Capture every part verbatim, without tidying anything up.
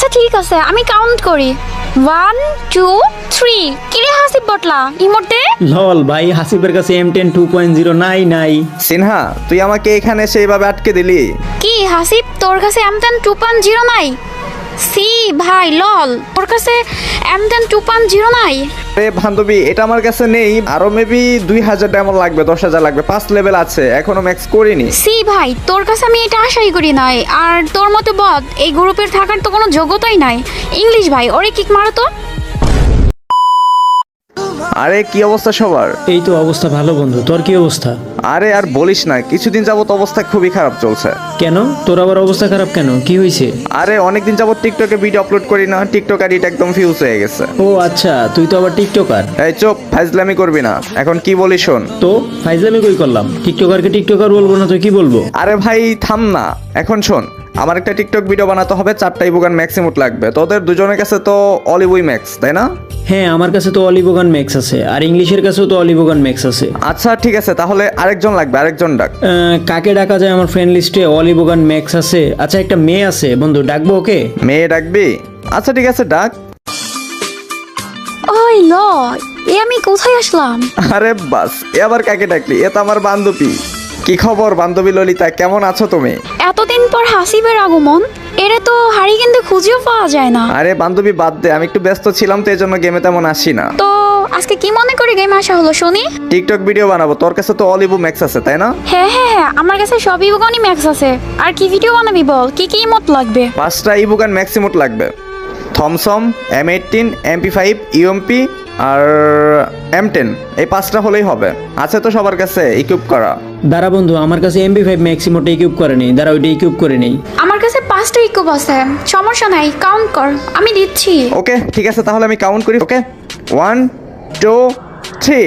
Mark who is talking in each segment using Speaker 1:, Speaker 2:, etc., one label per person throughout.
Speaker 1: ঠিক আছে, আমি কাউন্ট করি। One two three. কিরে হাসিব বটলা ইমোটে?
Speaker 2: লল ভাই, হাসিবের কাছে M ten two point zero নাই নাই।
Speaker 3: সিনহা, তুই আমাকে এখানে সেইভাবে আটকে দিলি।
Speaker 1: কি হাসিব, তোর কাছে M ten two point zero নাই? সি ভাই লল, তোর কাছে M ten two point zero নাই?
Speaker 3: আরে বান্ধবী, এটা আমার কাছে নেই। আরো মেবি দুই হাজার ডায়মন্ড লাগবে, দশ হাজার লাগবে। পাঁচ লেভেল আছে, এখনো ম্যাক্স করিনি।
Speaker 1: সি ভাই, তোর কাছে আমি এটা আশাই করি নাই। আর তোর মতো বদ এই গ্রুপের থাকার তো কোনো যোগ্যতাই নাই। ইংলিশ ভাই, ওরে কিক মারো তো।
Speaker 3: আরে কি অবস্থা সবার?
Speaker 2: এই তো অবস্থা ভালো বন্ধু, তোর কি অবস্থা?
Speaker 3: আরে আর বলিস না, কিছুদিন যাবত অবস্থা খুবই খারাপ চলছে।
Speaker 2: কেন, তোর আবার অবস্থা খারাপ কেন, কি হয়েছে?
Speaker 3: আরে অনেকদিন যাবত টিকটকে ভিডিও আপলোড করি না, টিকটক আইডিটা একদম ফিউজ হয়ে গেছে।
Speaker 2: ও আচ্ছা, তুই তো আবার টিকটকার।
Speaker 3: এই চুপ, ফাইজলামি করবি না। এখন কি বলি শোন।
Speaker 2: তো ফাইজলামি কই করলাম? টিকটকারকে টিকটকার বলবো না তো কি বলবো?
Speaker 3: আরে ভাই থাম না, এখন শোন। আমার একটা টিকটক ভিডিও বানাতে হবে, চারটা ইবুগান ম্যাক্সিমুট লাগবে। তোদের দুজনের কাছে তো অলিউই ম্যাক্স, তাই না?
Speaker 2: হ্যাঁ, আমার কাছে তো অলিবোগান ম্যাক্স আছে, আর ইংলিশের কাছেও তো অলিবোগান ম্যাক্স আছে।
Speaker 3: আচ্ছা ঠিক আছে, তাহলে আরেকজন লাগবে, আরেকজন ডাক।
Speaker 2: আহ, কাকে ডাকা যায়? আমার ফ্রেন্ড লিস্টে অলিবোগান ম্যাক্স আছে। আচ্ছা, একটা মেয়ে আছে বন্ধু, ডাকবো ওকে?
Speaker 3: মেয়ে ডাকবি? আচ্ছা ঠিক আছে, ডাক।
Speaker 1: ওই ল, এ আমি কোথায় আসলাম?
Speaker 3: আরে বাস, এ আবার কাকে ডাকলি? এ তো আমার বান্ধবী। কি খবর বান্ধবী ললিতা, কেমন আছো তুমি?
Speaker 1: এতদিন পর হাসিবের আগমন, এরে তো হারি কিন্তু খুঁজেও পাওয়া যায় না।
Speaker 3: আরে বান্ধবী বাদ দে, আমি একটু ব্যস্ত ছিলাম তো এই জন্য গেমে তেমন আসি না।
Speaker 1: তো আজকে কি মনে করে গেমে আসা হলো শুনি?
Speaker 3: টিকটক ভিডিও বানাবো, তোর কাছে তো অলিবু ম্যাক্স আছে তাই না?
Speaker 1: হ্যাঁ হ্যাঁ হ্যাঁ, আমার কাছে সব ইবুগানি ম্যাক্স আছে। আর কি ভিডিও বানাবি বল, কি কি ইমোট লাগবে?
Speaker 3: পাঁচটা ইবুগান ম্যাক্সিমুট লাগবে। Thompson, M eighteen, MP five, UMP আর এম টেন, এই পাঁচটা হলেই হবে। আছে তো সবার কাছে ইকুইপ করা?
Speaker 2: দাঁড়া বন্ধু, আমার কাছে এমবি ফাইভ ম্যাক্সিমোটা ইকুইপ করে নেই। দাঁড়া, ওইটা ইকুইপ করে নেই।
Speaker 1: আমার কাছে পাঁচটা ইকুব আছে, সমস্যা নাই, কাউন্ট কর, আমি দিচ্ছি।
Speaker 3: ওকে ঠিক আছে, তাহলে আমি কাউন্ট করি। Okay, one two three.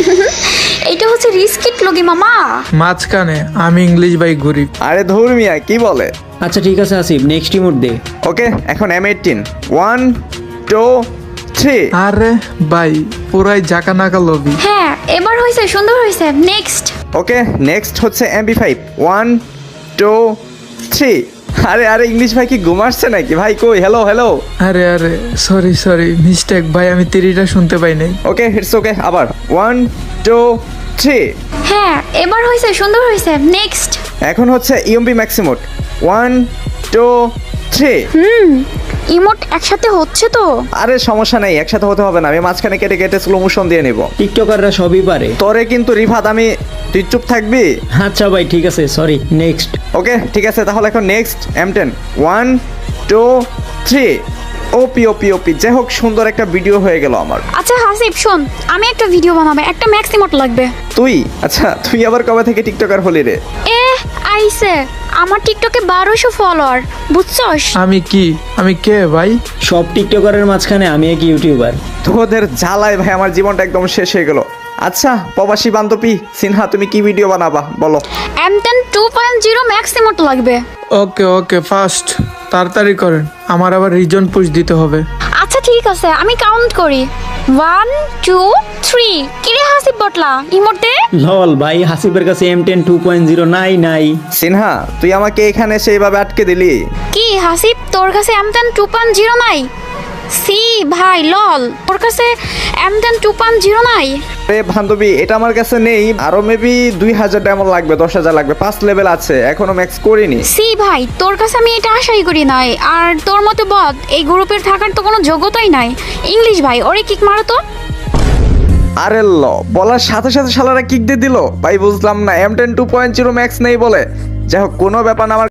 Speaker 1: এইটা হচ্ছে রিস্কিট লগি মামা।
Speaker 4: মাঝখানে আমি ইংলিশ ভাই গরিব।
Speaker 3: আরে ধুর মিয়া, কি বলে?
Speaker 2: আচ্ছা ঠিক আছে আসিফ, নেক্সট ইমোট দে।
Speaker 3: ওকে, এখন M eighteen, one two three.
Speaker 4: আরে ভাই, পুরাই জাকা নাকা লবি।
Speaker 1: হ্যাঁ, এবার হয়েছে, সুন্দর হয়েছে। নেক্সট।
Speaker 3: ওকে, নেক্সট হচ্ছে MP five, one two three. আরে আরে ইংলিশ ভাই কি ঘুমাচ্ছে নাকি? ভাই কই? Hello hello.
Speaker 4: আরে আরে সরি সরি, মিস্টেক ভাই, আমি তিরিটা শুনতে পাই নাই।
Speaker 3: ওকে ইটস ওকে, আবার ওয়ান টু থ্রি।
Speaker 1: হ্যাঁ, এবার হয়েছে, সুন্দর হয়েছে। নেক্সট।
Speaker 3: এখন হচ্ছে UMP max emote, one two three.
Speaker 1: হুম, ইমোট একসাথে হচ্ছে তো?
Speaker 3: আরে সমস্যা নেই, একসাথে হতে হবে না, আমি মাঝখানে কেটে কেটে স্লো মোশন দিয়ে নিব।
Speaker 2: টিকটকাররা সবই পারে।
Speaker 3: তোরে কিন্তু রিফাত, আমি, তুই চুপ থাকবি?
Speaker 2: আচ্ছা ভাই ঠিক আছে, সরি। নেক্সট।
Speaker 3: ওকে ঠিক আছে, তাহলে এখন next M ten, one two three. OP OP OP, যাই হোক সুন্দর একটা ভিডিও হয়ে গেল আমার।
Speaker 1: আচ্ছা হাসিব শোন, আমি একটা ভিডিও বানাবো, একটা ম্যাক্স ইমোট লাগবে।
Speaker 3: তুই? আচ্ছা তুই আবার কবে থেকে টিকটকার হলি রে?
Speaker 1: এ আইসে, আমার টিকটকে বারোশো ফলোয়ার, বুঝছস?
Speaker 4: আমি কি, আমি কে ভাই?
Speaker 2: সব টিকটকারের মাঝখানে আমি এক ইউটিউবার।
Speaker 3: তোদের জ্বালায় ভাই আমার জীবনটা একদম শেষ হয়ে গেল। আচ্ছা প্রবাসী বান্ধবী সিনহা, তুমি কি ভিডিও বানাবা বলো?
Speaker 1: M ten two point zero max emote লাগবে।
Speaker 4: ওকে ওকে, ফাস্ট, তাড়াতাড়ি করেন, আমার আবার রিজন পুশ দিতে হবে।
Speaker 1: আচ্ছা ঠিক আছে, আমি কাউন্ট করি। One two three. কিরে হাসিব বটলা ইমোটে?
Speaker 2: লল ভাই, হাসিবের কাছে M ten two point zero নাই নাই।
Speaker 3: সিনহা, তুই আমাকে এখানে সেইভাবে আটকে দিলি।
Speaker 1: কি হাসিব, তোর কাছে M ten two point zero নাই? সি ভাই লল, তোর কাছে M ten two point zero নাই?
Speaker 3: আরে বান্ধবী, এটা আমার কাছে নেই। আরো মেবি দুই হাজার ডায়মন্ড লাগবে, দশ হাজার লাগবে। পাঁচ লেভেল আছে, এখনো ম্যাক্স করিনি।
Speaker 1: সি ভাই, তোর কাছে আমি এটা আশাই করি নাই। আর তোর মতো বদ এই গ্রুপের থাকার তো কোনো যোগ্যতাই নাই। ইংলিশ ভাই, ওরে কিক মারো তো।
Speaker 3: আরে ল, বলার সাথে সাথে শালারা কিক দিয়ে দিল ভাই, বুঝলাম না। M ten two point zero max নেই বলে। যাই হোক, কোনো ব্যাপার না। আমার